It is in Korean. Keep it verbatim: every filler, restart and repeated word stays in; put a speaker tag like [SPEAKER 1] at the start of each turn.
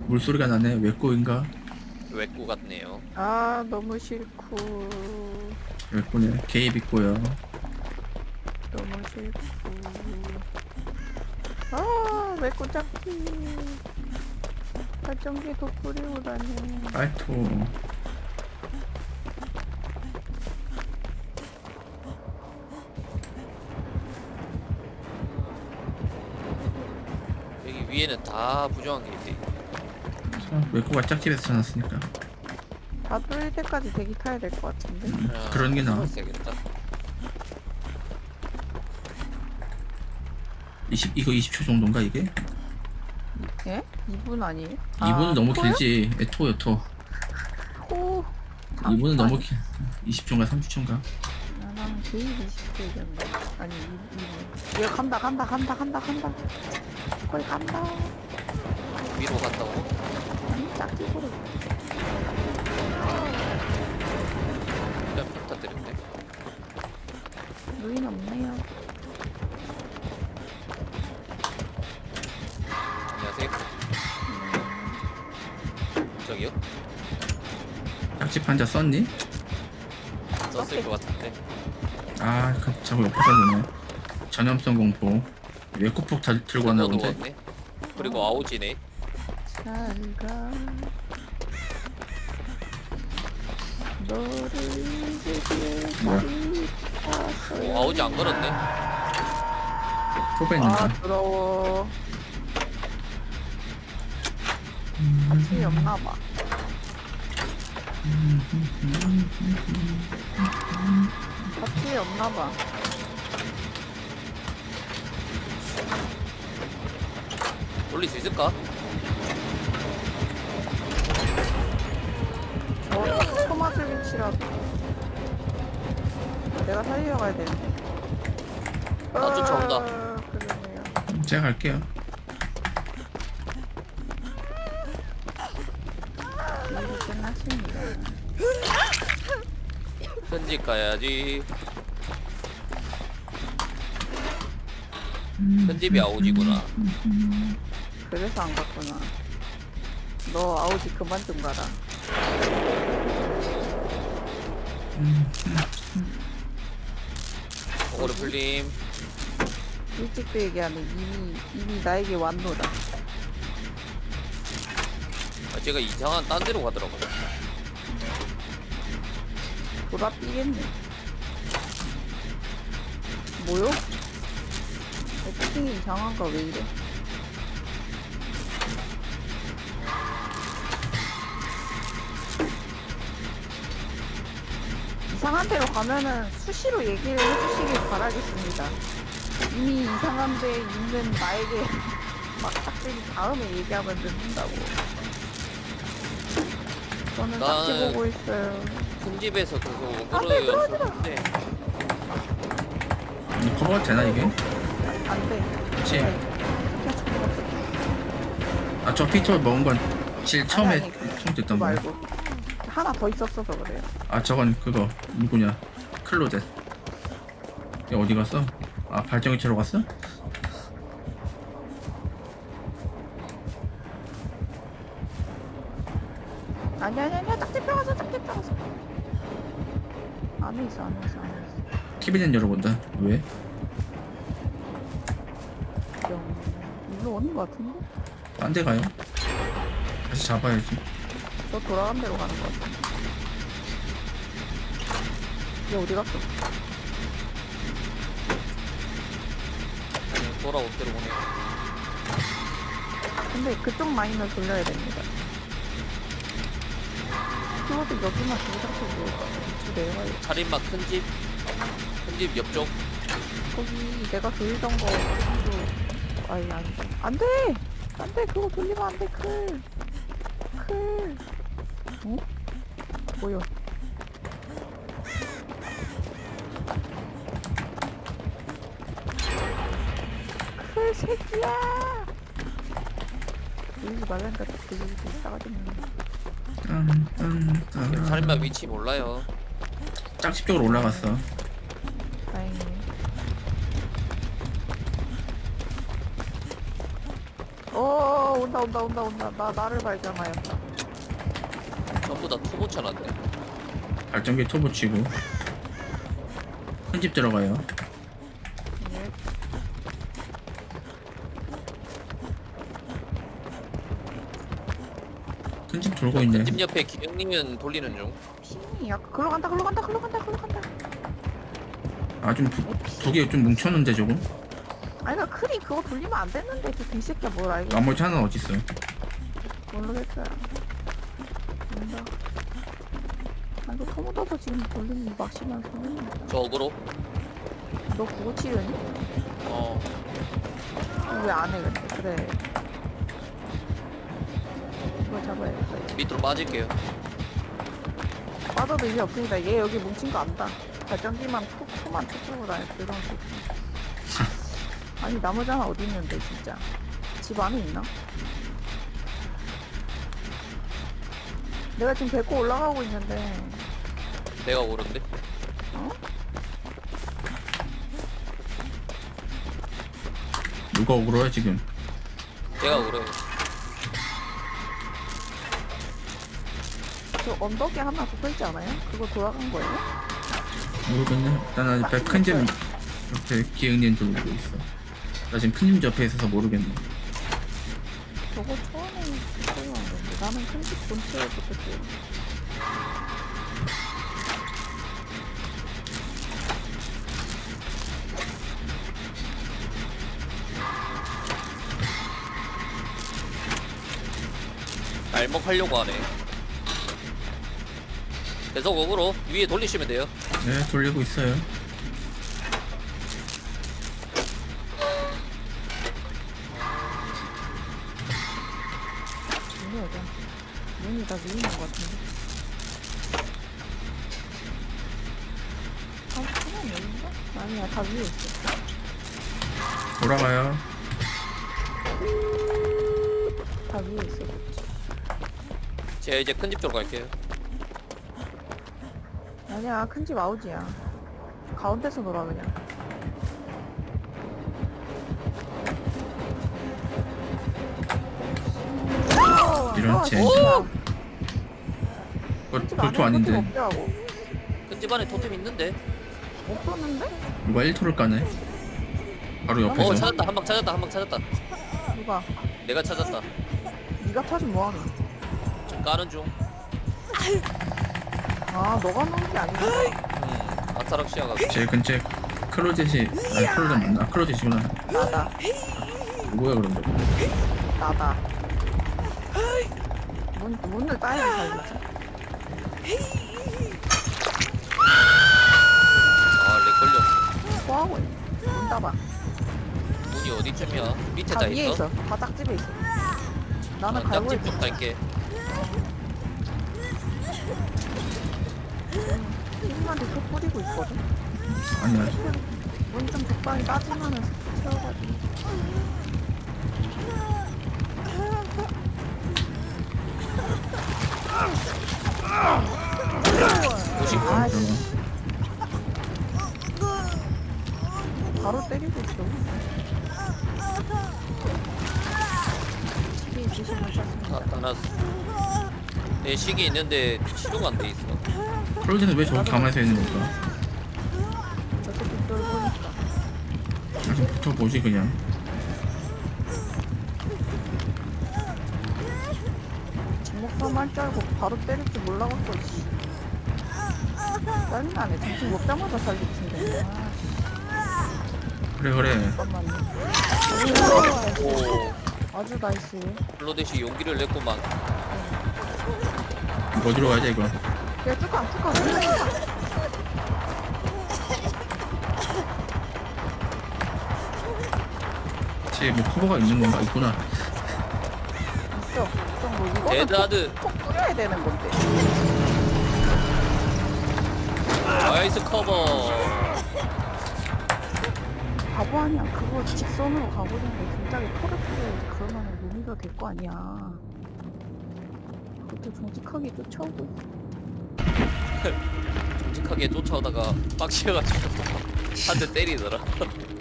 [SPEAKER 1] 물소리가 나네. 외꼬인가?
[SPEAKER 2] 외꾸 같네요.
[SPEAKER 3] 아 너무 싫고
[SPEAKER 1] 외꼬네. 개입 있고요.
[SPEAKER 3] 너무 싫고 아왜 꼬잡기 발전기도 뿌리고 다녀.
[SPEAKER 1] 빨토.
[SPEAKER 2] 여기 위에는 다 부정한 게 있대.
[SPEAKER 1] 자, 외꼬가 짝집에서 찾았으니까.
[SPEAKER 3] 다 뚫릴 때까지 대기 타야 될 것 같은데.
[SPEAKER 2] 아,
[SPEAKER 1] 그런 게 나아.
[SPEAKER 2] 되겠다.
[SPEAKER 1] 이십 이거 이십 초 정도인가 이게?
[SPEAKER 3] 예? 이 분 아니에요?
[SPEAKER 1] 이 분은 너무
[SPEAKER 3] 토요?
[SPEAKER 1] 길지. 에, 토요 토.
[SPEAKER 3] 토.
[SPEAKER 1] 이 분은 너무 길. 이십 초인가 삼십 초인가?
[SPEAKER 3] 나는 제일 이십 초 얘기한다. 아니 이 분. 얘 간다 간다 간다 간다 간다. 거의 간다.
[SPEAKER 2] 위로 간다고?
[SPEAKER 3] 아니 짝집으로.
[SPEAKER 2] 일단 평타 드렸네.
[SPEAKER 3] 루인 없네요.
[SPEAKER 2] 안녕하세요. 저기요?
[SPEAKER 1] 짝집 환자 썼니?
[SPEAKER 2] 썼을 것 같은데.
[SPEAKER 1] 아, 그, 자꾸 옆에서 보네. 전염성 공포. 외꼬폭 다 들고 왔나
[SPEAKER 2] 그거
[SPEAKER 1] 본데.
[SPEAKER 2] 누웠네. 그리고 아오지네.
[SPEAKER 3] 잘가. 너를 이제
[SPEAKER 1] 뭐야?
[SPEAKER 2] 오, 아오지 안 걸었네.
[SPEAKER 1] 토베
[SPEAKER 3] 아
[SPEAKER 1] 있는가?
[SPEAKER 3] 더러워. 같이 없나봐. 같이 없나봐.
[SPEAKER 2] 올릴 수 있을까?
[SPEAKER 3] 어, 토마스 위치라도. 내가 살리러 가야 되는데.
[SPEAKER 2] 나 쫓아온다.
[SPEAKER 3] 아, 그러네요.
[SPEAKER 1] 제가 갈게요.
[SPEAKER 3] 일이 끝났습니다.
[SPEAKER 2] 편집 가야지. 편집이 아오지구나.
[SPEAKER 3] 그래서 안 갔구나. 너 아우지 그만 좀 가라.
[SPEAKER 2] 오거를 풀림.
[SPEAKER 3] 일찍도 얘기하면 이미 이미 나에게 왔노라.
[SPEAKER 2] 아, 제가 이상한 딴 데로 가더라고요.
[SPEAKER 3] 돌아 삐겠네. 뭐요? 애칭이 이상한가 왜 이래? 이상한 데로 가면은 수시로 얘기를 해주시길 바라겠습니다. 이미 이상한 데에 있는 나에게 막 딱들이 다음에 얘기하면 늦는다고. 저는 딱지
[SPEAKER 2] 나는-
[SPEAKER 3] 보고 있어요.
[SPEAKER 2] 큰 집에서 그거
[SPEAKER 3] 안 돼,
[SPEAKER 2] 오거를
[SPEAKER 3] 떨어지라.
[SPEAKER 2] 썼는데
[SPEAKER 1] 이 커버가 되나 이게?
[SPEAKER 3] 안 돼.
[SPEAKER 1] 그치?
[SPEAKER 3] 그냥 죽어봤어.
[SPEAKER 1] 아, 저 피터 먹은 건 질 처음에
[SPEAKER 3] 아니, 아니,
[SPEAKER 1] 처음
[SPEAKER 3] 그거
[SPEAKER 1] 됐던 거야.
[SPEAKER 3] 말고 하나 더 있었어서 그래요.
[SPEAKER 1] 아, 저건 그거 누구냐? 클로젯. 얘 어디 갔어? 아, 발전기 채로 갔어?
[SPEAKER 3] 아니 아니 아니야 짝지 펴가서 짝지 펴가서 안에 있어 안에 있어 안에 있어.
[SPEAKER 1] 키비는 열어본다. 왜?
[SPEAKER 3] 영 일로 오는 거 같은데?
[SPEAKER 1] 딴 데 가요? 다시 잡아야지.
[SPEAKER 3] 저 돌아간 대로 가는 거 같은데. 얘 어디 갔어?
[SPEAKER 2] 그냥 돌아올 대로 보내.
[SPEAKER 3] 근데 그쪽 마인을 돌려야 됩니다. 키워드 여기만 두고 잡혀고 두 내려가요.
[SPEAKER 2] 차림막 큰 집, 큰 집 옆쪽.
[SPEAKER 3] 거기 내가 돌리던 거 거기도 아니 아니 안돼 안돼 그거 돌리면 안돼 클. 클. 어? 뭐야? 클 새끼야. 돌리지 말라니까 돌리지 싸가지 없네.
[SPEAKER 1] 딴, 딴, 딴.
[SPEAKER 2] 차림막 위치 몰라요.
[SPEAKER 1] 짝집 쪽으로 올라갔어.
[SPEAKER 3] 다행이네. 어 온다 온다 온다 온다. 나 나를 발견하였다.
[SPEAKER 2] 전부 다 토보 쳐놨네.
[SPEAKER 1] 발전기 터보 치고 큰 집 들어가요.
[SPEAKER 3] 예.
[SPEAKER 1] 큰 집 돌고 있네.
[SPEAKER 2] 집 옆에 기영님은 돌리는 중.
[SPEAKER 3] 핑이 약간 글로 간다 글로 간다 글로 간다 글로 간다.
[SPEAKER 1] 아좀두 개 좀 뭉쳤는데 조금.
[SPEAKER 3] 아니 나 크리 그거 돌리면 안 됐는데 그 개새끼야 뭘 알겠어.
[SPEAKER 1] 나머지 하나는 어딨어?
[SPEAKER 3] 모르겠어요. 뭔가. 아 이거 터 묻어서 지금 돌리면 막심한 소리입니다.
[SPEAKER 2] 저 어그로.
[SPEAKER 3] 너 그거 치려니?
[SPEAKER 2] 어.
[SPEAKER 3] 왜 안 해 근데? 그래. 이거 잡아야겠다. 이거.
[SPEAKER 2] 밑으로 빠질게요.
[SPEAKER 3] 빠져도 의미 없습니다. 얘 여기 뭉친 거 안다. 발전기만 톡, 톡만 툭 들고 다닐 그런 새끼. 아니 나머지 하나 어디 있는데 진짜. 집 안에 있나? 내가 지금 밟고 올라가고 있는데
[SPEAKER 2] 내가 오른데.
[SPEAKER 3] 어?
[SPEAKER 1] 누가 억울해 지금?
[SPEAKER 2] 내가 오래.
[SPEAKER 3] 저 언덕에 하나 붙어있지 않아요? 그거 돌아간 거예요?
[SPEAKER 1] 모르겠네. 일단 나 옆에 큰 집 옆에 기흥님 돌고 있어. 나 지금 큰 집 옆에 있어서 모르겠네.
[SPEAKER 3] 저거 처음에 붙어간 건데 나는 큰 집 본체에 붙었지.
[SPEAKER 2] 날먹하려고 하네. 계속 어그로 위에 돌리시면 돼요.
[SPEAKER 1] 네 돌리고 있어요.
[SPEAKER 3] 문이 어디야? 문이 다 위에 있는 것 같은데. 아, 그냥 여긴가? 아니야, 다 위에 있어.
[SPEAKER 1] 돌아가요.
[SPEAKER 3] 다 위에 있어.
[SPEAKER 2] 제가 이제 큰 집 쪽으로 갈게요.
[SPEAKER 3] 아니야, 큰 집 아우지야. 가운데서 놀아 그냥.
[SPEAKER 1] 이런
[SPEAKER 3] 어,
[SPEAKER 1] 젠장.
[SPEAKER 3] 진짜.
[SPEAKER 1] 그거
[SPEAKER 3] 큰 집
[SPEAKER 1] 돌토
[SPEAKER 3] 안에
[SPEAKER 1] 아닌데
[SPEAKER 3] 토끼 없더라고.
[SPEAKER 2] 큰 집 안에 토템 있는데.
[SPEAKER 3] 없었는데?
[SPEAKER 1] 누가 일 토를 까네? 바로
[SPEAKER 2] 어
[SPEAKER 1] 옆에서.
[SPEAKER 2] 찾았다. 한 방 찾았다. 한 방 찾았다.
[SPEAKER 3] 누가?
[SPEAKER 2] 내가 찾았다.
[SPEAKER 3] 네가 찾은 뭐하니?
[SPEAKER 2] 지금 까는 중.
[SPEAKER 3] 아, 너가 놓은 게 아니야.
[SPEAKER 2] 음. 아타락시아가.
[SPEAKER 1] 제 근처에 클로젯이 아니 클로젯 맞나? 클로젯이구나.
[SPEAKER 3] 나다.
[SPEAKER 1] 뭐야 그런 거?
[SPEAKER 3] 나다. 문, 문을 따야 살겠지.
[SPEAKER 2] 아, 렉 걸렸어.
[SPEAKER 3] 뭐하고 있어? 문 따봐.
[SPEAKER 2] 문이 어디쯤이야? 밑에
[SPEAKER 3] 다
[SPEAKER 2] 다
[SPEAKER 3] 위에
[SPEAKER 2] 있어?
[SPEAKER 3] 있어. 다 짝집에 있어. 나는
[SPEAKER 2] 난
[SPEAKER 3] 갈고
[SPEAKER 2] 짝집
[SPEAKER 3] 있어.
[SPEAKER 2] 쪽 갈게.
[SPEAKER 3] 팀한테 속 뿌리고 있거든.
[SPEAKER 1] 아니야.
[SPEAKER 3] 문 좀 적당히 따지면은 채워가지고.
[SPEAKER 2] 오십 분.
[SPEAKER 3] 아이씨. 바로 때리고 있어. 집에 있으시면
[SPEAKER 2] 다
[SPEAKER 3] 좋습니다.
[SPEAKER 2] 따놨어. 내 식이 있는데 치료가 안 돼 있어.
[SPEAKER 1] 클로젯은 왜 저기 가만히 서 있는 걸까?
[SPEAKER 3] 저 새끼 쫄 보니까.
[SPEAKER 1] 아좀 붙어보지 그냥.
[SPEAKER 3] 주먹밥 할줄 알고 바로 때릴 줄 몰라갖고 씨. 짜증나네. 정신 먹자마자 살리친데. 아,
[SPEAKER 1] 그래 그래.
[SPEAKER 3] 잠깐만요.
[SPEAKER 2] 오.
[SPEAKER 3] 아주 나이스.
[SPEAKER 2] 블로데시 용기를 냈구만.
[SPEAKER 1] 이거 어디로 가야 돼 이거?
[SPEAKER 3] 야, 뚜껑, 뚜껑, 뚜껑.
[SPEAKER 1] 뒤에 뭐 커버가 있는 건가? 있구나.
[SPEAKER 3] 있어. 좀 뭐, 이거는
[SPEAKER 2] 데드하드.
[SPEAKER 3] 톡, 톡 뿌려야 되는 건데.
[SPEAKER 2] 나이스 커버.
[SPEAKER 3] 바보 아니야. 그거 직선으로 가보는데 진작에 토를 뿌려야지. 그러면 루미가 될 거 아니야. 그것도 정직하게 쫓아오고 있어.
[SPEAKER 2] 정직하게 쫓아오다가 빡치어가지고 한 대 때리더라.